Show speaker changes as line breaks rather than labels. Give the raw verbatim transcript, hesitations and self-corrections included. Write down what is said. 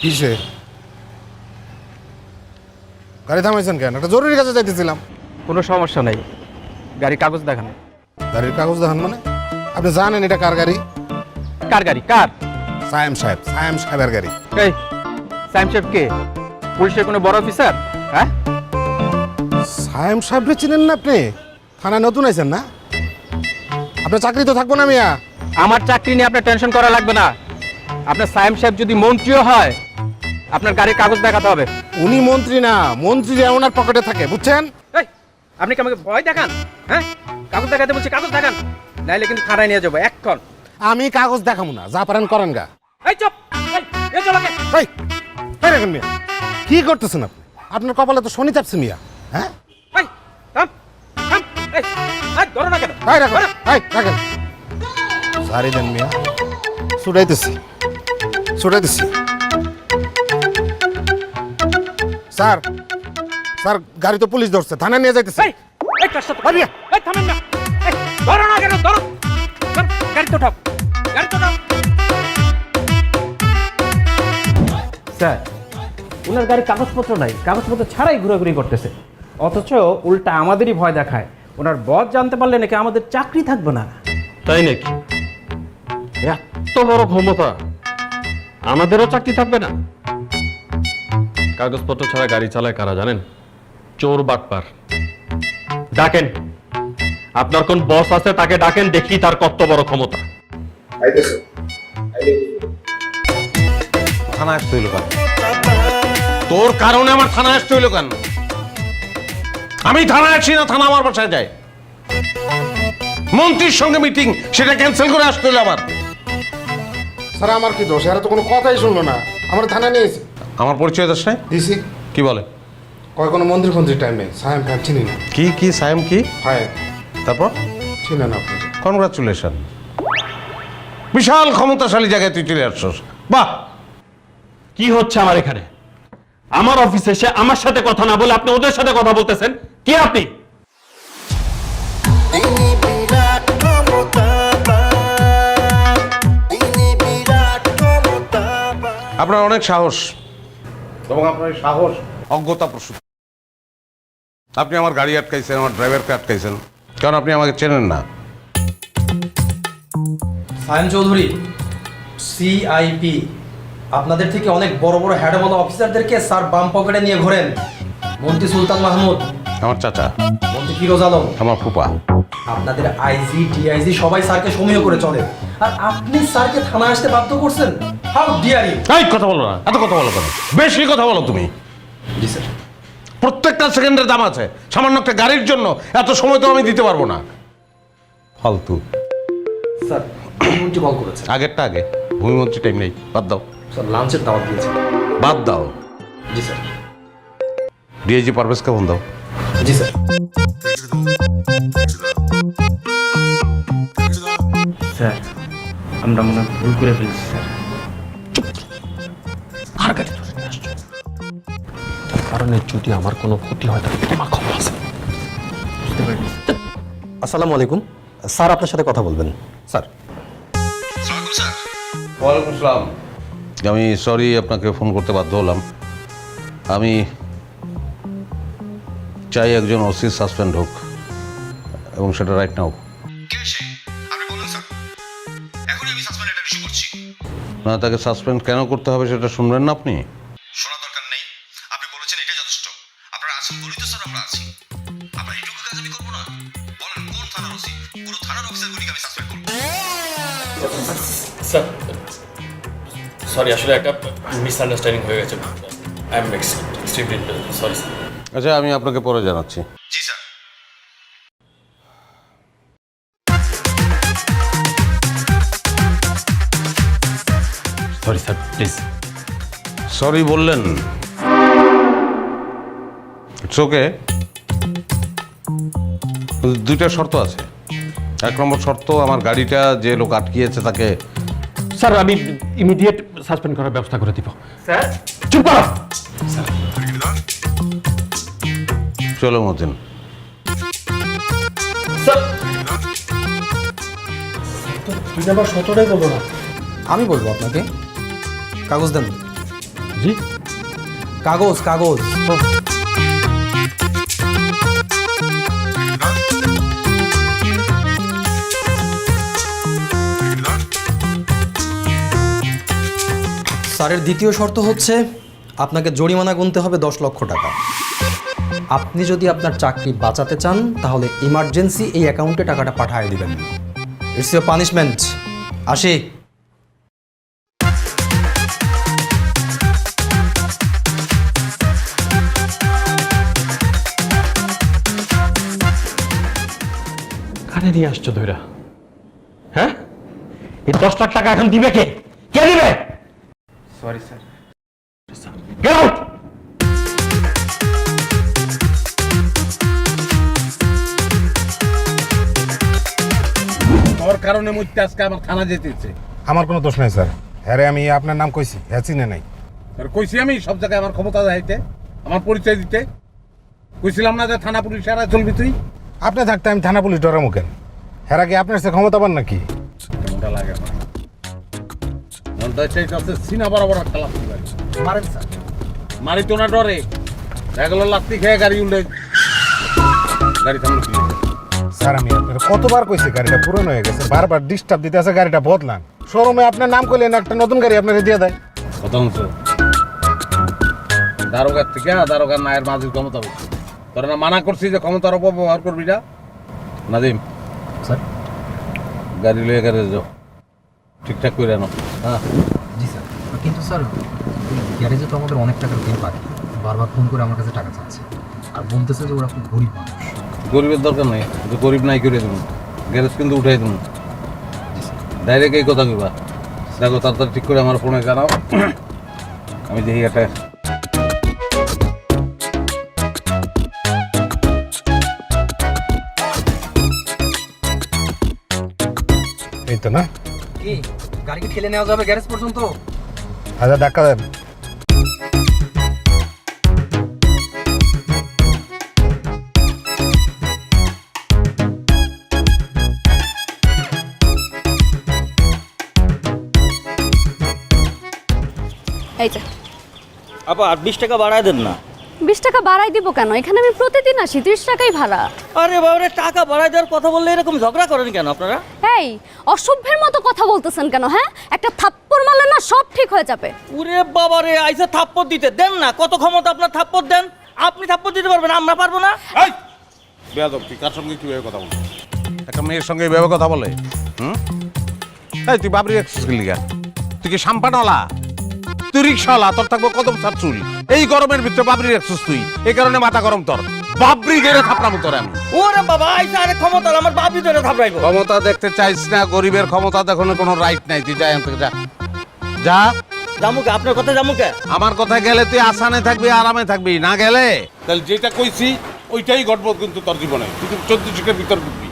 কিসে? গাড়ি থামাইছেন কেন? একটা জরুরি কাজে যাইতেছিলাম।
কোনো সমস্যা নাই, গাড়ির কাগজ দেখান।
গাড়ির কাগজ দেখান মানে? আপনি জানেন এটা কার গাড়ি?
কার গাড়ি? কার?
সায়েম সাহেব, সায়েম সাহেবের গাড়ি।
এই সায়েম সাহেব কে? পুলিশের কোনো বড় অফিসার? হ্যাঁ,
সায়েম সাহেবকে চিনেন না আপনি? থানায় নতুন আইছেন না? আপনার চাকরি তো থাকবো না মিয়া।
আমার চাকরি নিয়ে আপনার টেনশন করা লাগবে না। আপনার সায়েম সাহেব যদি মন্ত্রীও হয়, আপনার গাড়ির কাগজ দেখাতে হবে।
উনি মন্ত্রী না, মন্ত্রীরা ওনার পকেটে থাকে, বুঝছেন?
এই আপনি কি আমাকে ভয় দেখান? হ্যাঁ, কাগজ দেখাতে বলছি, কাগজ দেখান, নাইলে কিন্তু থানায় নিয়ে যাবো এক্ষণ।
আমি কাগজ দেখাবো না, যা পারেন করেন গা।
এই চুপ, এই এই চল আগে।
এই এই রাখেন মিয়া, কি করতেছেন আপনি? আপনার কপালে তো শনি চাপছে মিয়া। হ্যাঁ,
এই থাম থাম, এই এই ধরো না কেন?
এই রাখেন, এই রাখেন। সারি দেন মিয়া, ছুটাইতেছি ছুটাইতেছি। স্যার স্যার, গাড়ি তো পুলিশ ধরছে, থানায় নিয়ে যাইতেছে।
এই এই কাজটা তো পারি। এই থামেন না, এই ধরো না কেন? ধরো, ধর, গাড়ি তো ঠাপ, গাড়ি তো ঠাপ। স্যার, ওনার গাড়ির কাগজপত্র নাই, কাগজপত্র ছাড়াই ঘোরাঘুরি করতেছে, অথচ উল্টা আমাদেরই ভয় দেখায়। ওনার বস জানতে পারলে নাকি আমাদের চাকরি থাকবে না।
তাই নাকি? এত বড় ক্ষমতা, আমাদেরও চাকরি থাকবে না? কাগজপত্র ছাড়া গাড়ি চালায় কারা জানেন? চোর বাটপার। ডাকেন, আপনার কোন বস আছে তাকে ডাকেন, দেখি তার কত বড় ক্ষমতা।
থানা আসতে হইল কেন? তোর কারণে আমার থানা আসতে হইল কেন? আমি থানায় আসি না, থানা আমার বাসায় যায়। মন্ত্রীর সঙ্গে মিটিং, সেটা ক্যান্সেল করে আসতে হইল আমার।
স্যার আমার কি দোষ? এরা তো কোনো কথাই শুনলো না, আমার থানায় নিয়েছে।
আমার পরিচয় দোষ নাই?
দিছি।
কি বলে?
কয় কোনো মন্দির ফন্দির টাইম নেই, সায়েম ফ্যাম চিনি না।
কি কি সায়েম কি?
হয়
তারপর
চিনেন আপনি?
কনগ্রাচুলেশন, বিশাল ক্ষমতাশালী জায়গায় তুই চলে আসছস। বাহ!
কি হচ্ছে আমার এখানে? আমার অফিসে এসে আমার সাথে কথা না বলে আপনি ওদের সাথে কথা বলতেছেন। কি আপনি?
আপনার অনেক সাহস, এবং আপনার এই সাহস অজ্ঞতা প্রসূত। আপনি আমার গাড়ি আটকাইছেন, আমার ড্রাইভারকে আটকাইছেন, কারণ আপনি আমাকে চেনেন না।
সায়েম চৌধুরী, সিআইপি, আপনাদের থেকে অনেক বড় বড় হ্যাডওয়ালা অফিসারদেরকে স্যার বাম পকেটে নিয়ে ঘোরেন। মন্ত্রী সুলতান মাহমুদ,
আমার চাচা।
মন্ত্রী ফিরোজ আলম,
আমার ফুপা।
আপনাদের আইজি ডিআইজি সবাই স্যারকে সমীহ করে চলে, আর আপনি স্যারকে থানায় আসতে বাধ্য করছেন। How dare you!
এই কথা বলো না, এত কথা বলো কেন? বেশি কথা বলো তুমি।
জি স্যার।
প্রত্যেকটা সেকেন্ডের দাম আছে, সামান্য একটা গাড়ির জন্য এত সময় তো আমি দিতে পারবো না। ফালতু।
স্যার, মন্ত্রী কল করেছে।
আগেরটা আগে, ভূমিমন্ত্রী টাইম নেই, বাদ দাও।
স্যার লাঞ্চের দাওয়াত দিয়েছে।
বাদ দাও।
জি স্যার।
ডিআইজি পারভেজকে ফোন দাও।
জি স্যার।
স্যার, আমরা মনে হয় ভুল করে ফেলছি স্যার।
আর গাড়ি ধরে নিয়ে আসছো, তার কারণে যদি আমার কোনো ক্ষতি হয় তাহলে তোমার খবর আছে।
বুঝতে পারিনি।
আসসালামু আলাইকুম স্যার, আপনার সাথে কথা বলবেন স্যার।
ওয়ালাইকুম আসসালাম। আমি সরি আপনাকে ফোন করতে বাধ্য হলাম। আমি চাই একজন ওসি সাসপেন্ড হোক, এবং সেটা রাইট নাও। না, তাকে সাসপেন্ড কেন করতে হবে সেটা শুনবেন না আপনি?
শোনা দরকার নেই, আপনি বলেছেন এটা যথেষ্ট। আপনারা আছেন বলেই তো স্যার আমরা আছি। আমরা এইটুকু কাজ আমি করবো না? বলেন কোন থানার ওসি? পুরো থানার অফিসারগুলিকে আমি সাসপেন্ড করবো।
স্যার সরি, আসলে একটা মিসআন্ডারস্ট্যান্ডিং হয়ে গেছে। I am extremely sorry sir.
আচ্ছা, আমি আপনাকে পরে জানাচ্ছি।
জি sir.
Sorry sir, please.
Sorry বললেন, ইটস ওকে। দুইটা শর্ত আছে। এক নম্বর শর্ত, আমার গাড়িটা যে লোক আটকিয়েছে তাকে।
স্যার, আমি ইমিডিয়েট সাসপেন্ড করার ব্যবস্থা করে দিব।
স্যার,
চুপ করো।
চলো মতিন।
স্যার,
তুই আবার সতটাই বলবো না, আমি বলবো আপনাকে। কাগজ দেন।
জি
কাগজ কাগজ স্যারের দ্বিতীয় শর্ত হচ্ছে আপনাকে জরিমানা গুনতে হবে দশ লক্ষ টাকা। আপনি যদি আপনার চাকরি বাঁচাতে চান তাহলে ইমার্জেন্সি এই অ্যাকাউন্টে টাকাটা পাঠিয়ে দিবেন। It's your punishment. আসি।
কানে নিয়ে আসছো ধৈরা, হ্যাঁ? এই দশ লাখ টাকা এখন দিবে কে? কে দিবে?
Sorry sir.
Get out.
তোর কারণে মুইতে আজকে আমার থানা যেতেছে।
আমার কোনো দোষ নাই স্যার, হ্যাঁ রে, আমি আপনার নাম কইছি, হ্যাঁ চিনে নাই।
আর কইছি আমি সব জায়গায় আমার ক্ষমতা দেখাইতে, আমার পরিচয় দিতে। কইছিলাম না যে থানা পুলিশ এরা চলবি তুই?
আপনি থাকতে আমি থানা পুলিশ ডরামু কেন? হ্যাঁ কি আপনার সে ক্ষমতা পান নাকি?
কেমনটা লাগে আমার? মনটা চাইছে সিনা বরাবর খেলা
মারেন স্যার।
মারি তো না ডরে, এগুলো লাত্তি খেয়ে গাড়ি উল্টে গাড়ি থামলো কি?
স্যার আমি আপনার কতবার কইছি গাড়িটা পুরনো হয়ে গেছে, বারবার ডিস্টার্ব দিতে আছে, গাড়িটা বদলান। শোরুমে আপনার নাম করলেন, একটা নতুন গাড়ি আপনার দিয়ে দেয়।
কত অংশ দারোগার থেকে দারোগার নায়ের মাঝে ক্ষমতা বেশি। তোরা না মানা করছি যে ক্ষমতার অপব্যবহার করবি না? নাদিম
স্যার।
গাড়ি লয়ে গাড়ি যাও, ঠিকঠাক করে আনো। হ্যাঁ
জি স্যার, কিন্তু স্যার গ্যারেজে তো আমাদের অনেক টাকার বিল বাকি, বারবার ফোন করে আমার কাছে টাকা চাচ্ছে আর বলতেছে যে ওরা খুব গরিব মানুষ।
গরিবের দরকার নেই, কিন্তু গরিব নাই করে দেবো, গ্যারেজ কিন্তু উঠাই দেবো। ডাইরেক্ট এই কথা কইবা। দেখো তাড়াতাড়ি ঠিক করে আমার ফোনে জানাও, আমি দেখি একটা।
এই তো না,
কি গাড়িকে ঠেলে নেওয়া যাবে গ্যারেজ পর্যন্ত?
হাজার ধাক্কা দেন।
এই যে
আপা আর বিশ টাকা বাড়ায় দেন না।
বিশ টাকা বাড়াই দিব কেন? এখানে আমি প্রতিদিন আসি, ত্রিশ টাকাই ভাড়া।
আরে বাবারে, টাকা বাড়ায় দেওয়ার কথা বললে এরকম ঝগড়া করেন কেন আপনারা?
এই অসভ্যের মতো কথা বলতেছেন কেন? হ্যাঁ, একটা থাপ্পড় মারলে না সব ঠিক হয়ে যাবে।
উরে বাবারে, আইসা থাপ্পড় দিতে দেন না। কত ক্ষমতা আপনার, থাপ্পড় দেন। আপনি থাপ্পড় দিতে পারবেন, আমরা পারবো না।
এই বেয়াদব, তুই কার সঙ্গে কিভাবে কথা বল? একটা মেয়ের সঙ্গে এভাবে কথা বলে? হুম, এই তুই বাবরি রাখছিস কি লিগা? তুই কি সাম্পানওয়ালা? তুই রিক্সাওয়ালা, তোর থাকবো কদম সার চুল। এই গরমের ভিতরে বাবরি রাখছিস তুই, এই কারণে মাথা গরম তোর। বাবরি গেড়ে থাপড়ামু তোর আমি।
ওরে বাবা, আইসা আরে ক্ষমতা, আমার বাপি ধরে থাপড়াইবো।
ক্ষমতা দেখতে চাইছ না, গরিবের ক্ষমতা দেখানোর কোনো রাইট নাই। তুই যা এখান থেকে, যা যা।
জামুকে আপনার কথা, জামুকে
আমার কথা গেলে তুই আসানে থাকবি, আরামে থাকবি, না গেলে তাহলে যেটা কইছি ওইটাই ঘটবো কিন্তু তোর জীবনে। তুই চোদ্দ শিখের ভিতর ঢুকবি।